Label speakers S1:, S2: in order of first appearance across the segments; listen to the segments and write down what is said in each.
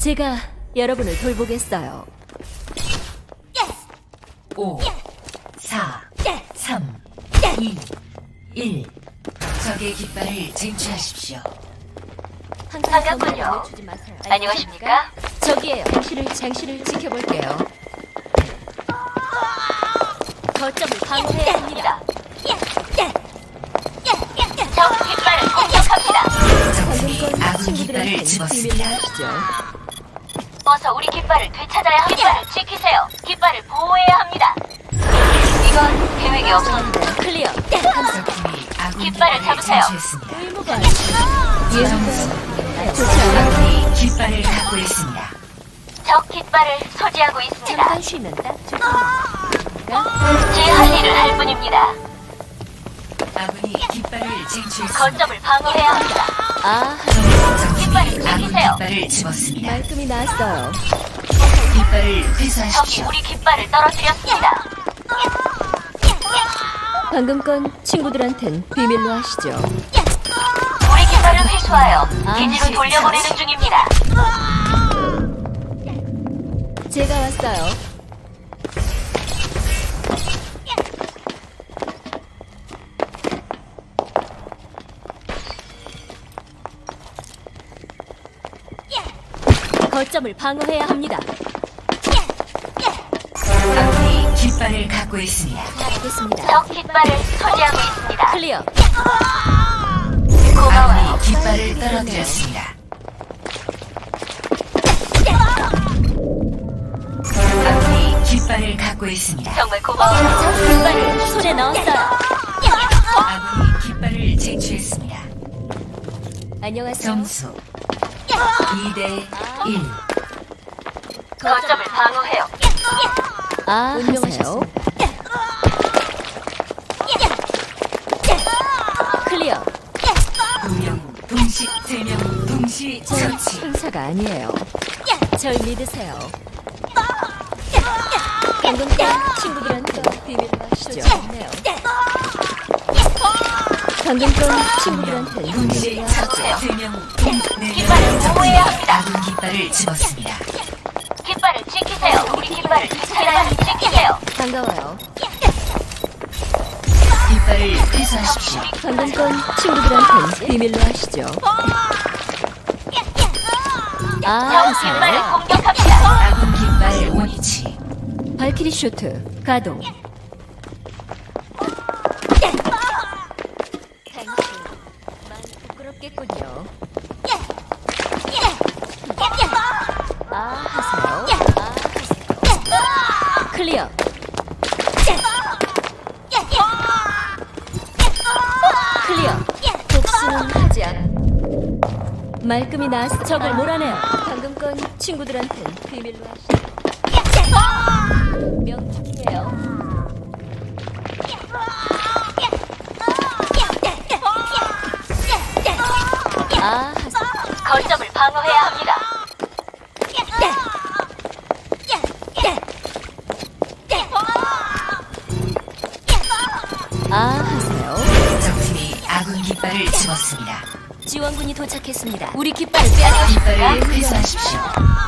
S1: 제가 여러분을 돌보겠어요.
S2: 5, 4, 3, 2, 1. 적의 깃발을 쟁취하십시오.
S3: 반갑군요.
S1: 주지 마세요.
S3: 안녕하십니까?
S1: 저기에요. 장신을 지켜볼게요. 거점을 방어해야 합니다.
S3: 적 깃발을 공격합니다.
S2: 적군이 아군 깃발을
S1: 친구들한테는 비밀로
S2: 집었습니다.
S1: 하시죠.
S3: 어서 우리 깃발을 되찾아야 합니다. 지키세요. 깃발을 보호해야 합니다. 이건 계획이 없었는데.
S1: 클리어.
S2: 적군이 아군
S3: 깃발을
S2: 깃발을
S3: 잡으세요.
S2: 쟁취했습니다.
S1: 의무가
S2: 점수.
S1: 좋지 않아요.
S2: 아군이 깃발을 갖고 있습니다.
S3: 적 깃발을 소지하고 있습니다.
S1: 잠깐 쉬면 딱 좋습니다.
S3: 제 할 일을 할 뿐입니다.
S2: 아군이 깃발을 쟁취했습니다.
S3: 거점을 방어해야 합니다.
S1: 아,
S2: 적군이
S3: 깃발을
S2: 아군
S3: 지키세요.
S2: 깃발을 집었습니다.
S1: 말끔히 나왔어요.
S2: 깃발을
S3: 적이
S2: 회수하십시오.
S3: 우리 깃발을 떨어뜨렸습니다.
S1: 방금 건 친구들한텐 비밀로 하시죠.
S3: 우리 깃발을 회수하여 기지로 돌려보내는 중입니다.
S1: 제가 왔어요. 거점을 방어해야 합니다.
S2: 아군이 깃발을 갖고 있습니다.
S1: 알겠습니다.
S3: 적 깃발을 소지하고 있습니다.
S1: 클리어.
S3: 고마워요.
S2: 아군이 깃발을 떨어뜨렸습니다. 아군이 깃발을 갖고 있습니다.
S3: 정말 고마워요.
S1: 깃발을 손에 넣었어요.
S2: 아군이 깃발을 쟁취했습니다.
S1: 안녕하세요.
S2: 점수 2대 1.
S3: 거점을 방어해요.
S1: 아, 하세요. 클리어.
S2: 2명 동시 3명 동시
S1: 저
S2: 처치.
S1: 천사가 아니에요. 절 믿으세요. 방금 건 친구들한테 비밀로 하시죠. 네요. 방금 건 친구들한테
S2: 동시
S1: 비밀로 하시죠.
S2: 처치. 3명
S3: 깃발을 보호해야 합니다.
S2: 아군 깃발을 집었습니다.
S3: 깃발을 지키세요. 우리 깃발을 지키세요.
S1: 반가워요.
S2: 깃발을 회수하십시오.
S1: 방금 건 친구들한테 비밀로 하시죠. 아,
S3: 적 깃발을
S1: 하세요.
S3: 공격합니다.
S2: 아군 깃발 원위치.
S1: 발키리 쇼트 가동. 당신 많이 부끄럽겠군요. 아, 하세요. 아, 하세요. 클리어. 클리어. 복수는 하지 않. 말끔히 나왔어. 적을 몰아내요. 방금 건 친구들한텐 비밀로 하시죠. 명중이에요. 아, 하세요.
S3: 거점을 방어해야 합니다.
S1: 아, 하세요.
S2: 적팀이 아군 깃발을 집었습니다.
S1: 지원군이 도착했습니다. 우리 깃발을 빼앗아.
S2: 깃발을 회수하십시오.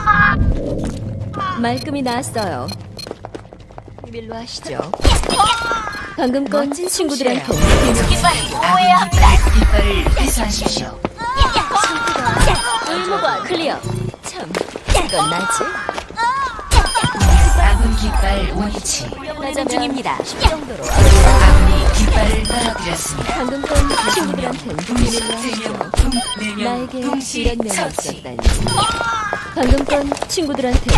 S1: 말끔히 나왔어요. 비밀로 하시죠. 방금 건
S2: 멋진
S1: 친구들한테
S2: 솜씨예요.
S1: 비밀.
S3: 깃발을 보호해야
S2: 아군
S3: 합니다.
S2: 깃발을 회수하십시오.
S1: 의무관 클리어. 참, 이건 나지?
S2: 아군 깃발 원위치.
S1: 가자면 중입니다. 10 정도로.
S2: 아군이 깃발을 떨어뜨렸습니다.
S1: 방금 건 친구들한테
S2: 동시
S1: 비밀로 하시죠.
S2: 3명,
S1: 나에게
S2: 4명 동시
S1: 이런 면이
S2: 처치.
S1: 있었다니. 방금 건 친구들한테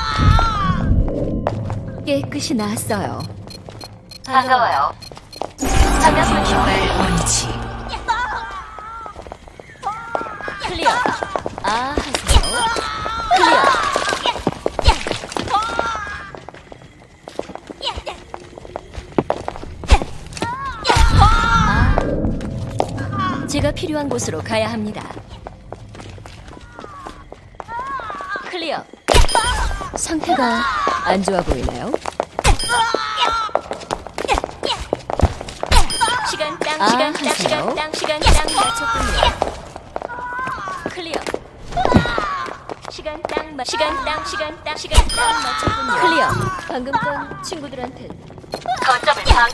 S1: 깨끗이 나왔어요.
S3: 반가워요.
S2: 아군 깃발 원위치.
S1: 클리어. 아, 하세요. 클리어. 아, 제가 필요한 곳으로 가야 합니다. 클리어. 상태가 안 좋아 보이나요? 시간 땅, 아,
S3: 시간 땅,
S1: 하세요.
S3: 시간 땅, 시간 땅.
S1: 맞췄군요. 클리어. 시간 딱 맞췄군요. 클리어. 방금 건 친구들한테.
S3: 거점을 방.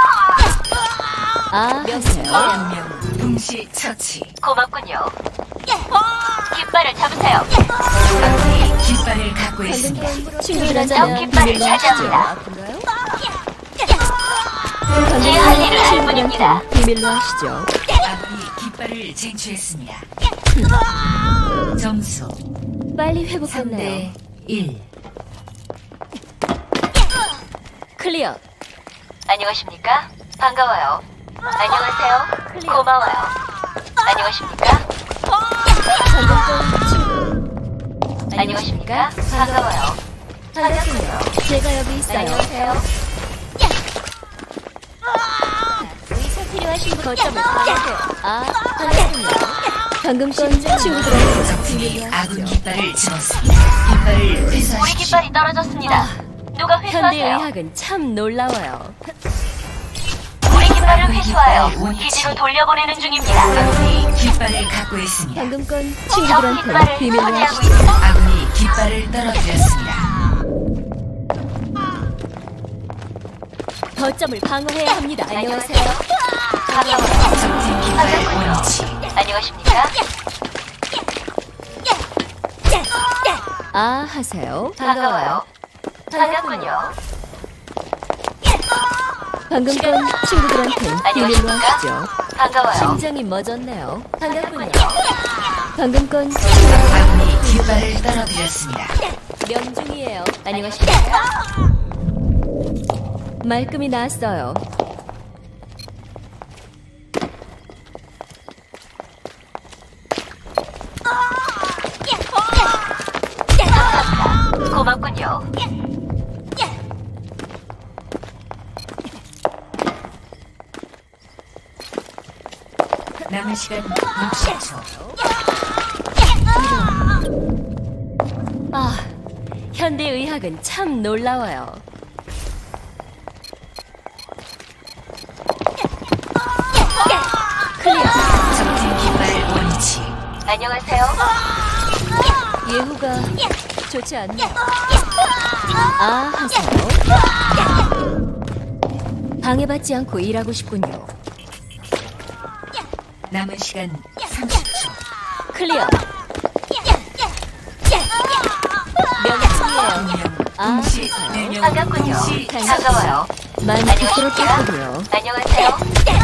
S1: 하세요.
S2: 두명 동시 처치.
S3: 고맙군요. 깃발을 잡으세요.
S2: 아군이 깃발을 갖고
S1: 방금
S2: 있습니다.
S1: 건 친구들한테
S3: 깃발을 차지합니다.
S1: 아픈가요?
S3: 제 할 일을 할 뿐입니다.
S1: 비밀로 하시죠.
S2: 아군이 깃발을 쟁취했습니다. 점수
S1: 빨리 회복했나요?
S2: 3대 1.
S1: 클리어.
S3: 안녕하십니까? 반가워요. 안녕하세요. 고마워요. 안녕하십니까?
S1: 방금 건 친구.
S3: 안녕하십니까? 반가워요.
S1: 반갑군요. 제가 여기 있어요.
S3: 안녕하세요.
S1: 의사 필요하신 분 거점을 방어해요. 반갑군요. 방금 건 친구들한테
S2: 적팀이
S1: 비밀로
S2: 아군
S1: 하시죠.
S2: 깃발을 집었습니다. 깃발을
S3: 우리
S2: 회수하십시오.
S3: 깃발이 떨어졌습니다. 누가 회수하세요?
S1: 현대의학은 참 놀라워요.
S3: 우리 깃발을 회수하여 기지로 돌려보내는 중입니다.
S2: 아군이 깃발을 갖고 있습니다.
S1: 방금 건
S3: 적
S1: 친구들한테
S3: 깃발을
S1: 비밀로
S3: 차지하고
S1: 하시죠.
S3: 있습니다.
S2: 아군이 깃발을 떨어뜨렸습니다.
S1: 거점을 방어해야 합니다.
S3: 안녕하세요. 반가워요.
S2: 적팀 깃발 원위치.
S3: 안녕하십니까?
S1: 하세요.
S3: 반가워요. 반갑군요.
S1: 방금 건 친구들한테 비밀로
S3: 안녕하십니까?
S1: 하시죠.
S3: 반가워요.
S1: 심장이 멎었네요. 반갑군요.
S3: 반갑군요.
S1: 방금 건
S2: 아군이 깃발을 떨어뜨렸습니다.
S1: 명중이에요. 안녕하십니까? 말끔히 나왔어요.
S3: 고맙군요.
S2: 남은 시간 60초.
S1: 현대의학은 참 놀라워요. 클리어.
S2: 적팀 깃발 원위치.
S3: 안녕하세요.
S1: 예후가 좋지 않네요. 하세요. 방해받지 않고 일하고 싶군요.
S2: 남은 시간 30초.
S1: 클리어. 명중이에요.
S2: 두명 동시
S1: 하세요.
S2: 4명
S3: 반갑군요.
S2: 동시
S3: 반가워요.
S1: 많이
S3: 안녕하십니까?
S1: 부끄럽겠군요.
S3: 안녕하세요.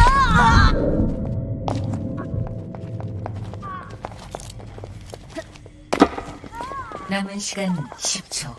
S2: 남은 시간 10초.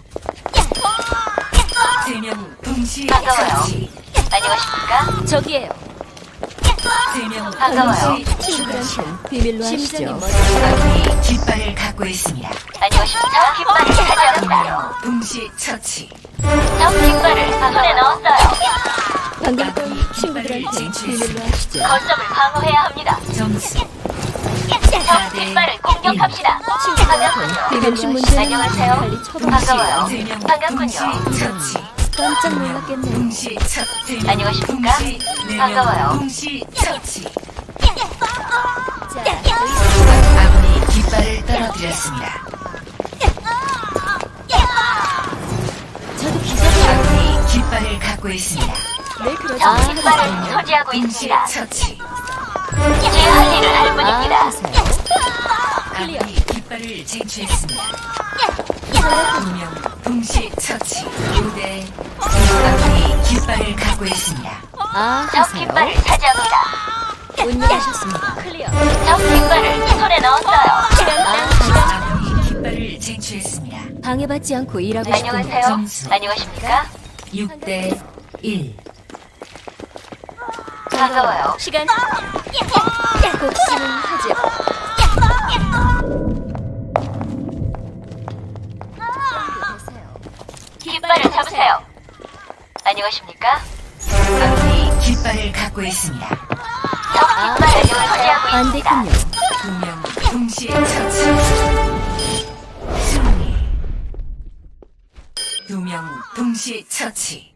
S2: 3명 동시
S3: 반가워요.
S2: 처치.
S3: 안녕하십니까?
S1: 저기에요.
S2: 3명
S3: 반가워요.
S2: 동시 처치.
S1: 친구들한테 비밀로
S2: 심장이
S1: 하시죠.
S2: 아군이 깃발을 갖고 있습니다.
S3: 안녕하십니까? 깃발을 차지합니다.
S2: 2명 동시 처치.
S3: 적 깃발을 손에 넣었어요.
S1: 방금 건 친구들한테 비밀로 하시죠.
S3: 거점을 방어해야 합니다.
S2: 점수
S3: 적 깃발을 공격합시다. 반갑군요.
S1: 비밀신 문제는
S3: 안녕하세요.
S1: 빨리 처방.
S3: 반가워요.
S2: 3명
S3: 반갑군요.
S2: 동시 처치.
S1: 깜짝 놀랐겠네요.
S2: 동시 처치.
S3: 안녕하십니까? 반가워요.
S2: 동시 처치.
S1: 자,
S2: 아군이 깃발을 떨어뜨렸습니다.
S1: 저도 기적이에요.
S2: 아군이 깃발을 갖고 있습니다.
S1: 네, 그러죠.
S3: 적 깃발을 소지하고
S2: 동시
S3: 있습니다.
S2: 처치.
S3: 제 할 일을 할 뿐입니다.
S1: 하세요. 클리어.
S2: 아군이 깃발을 쟁취했습니다. 2명 동시 처치. 5대 아군이 깃발을 갖고 있습니다.
S3: 적
S1: 하세요.
S3: 깃발을 차지합니다.
S1: 운명하셨습니다. 클리어.
S3: 적 깃발을 손에 넣었어요.
S2: 아군이 깃발을 쟁취했습니다.
S1: 방해받지 않고 일하고 싶군요.
S3: 안녕하세요.
S2: 점수.
S3: 안녕하십니까?
S2: 6대 1.
S3: 반가워요.
S1: 시간. 복수는 하죠.
S3: 깃발을 잡으세요. 안녕하십니까?
S2: 아군이 깃발을 갖고 있습니다.
S3: 적 깃발을 소지하고
S1: 안
S3: 있습니다.
S1: 됐군요.
S2: 2명 동시에 처치. 승리. 2명 동시에 처치.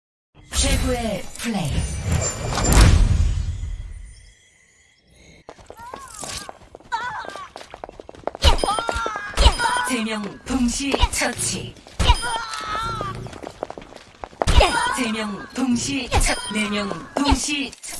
S2: 최고의 플레이. 4명 동시 처치. 3명 동시 처. 4명 동시 처치.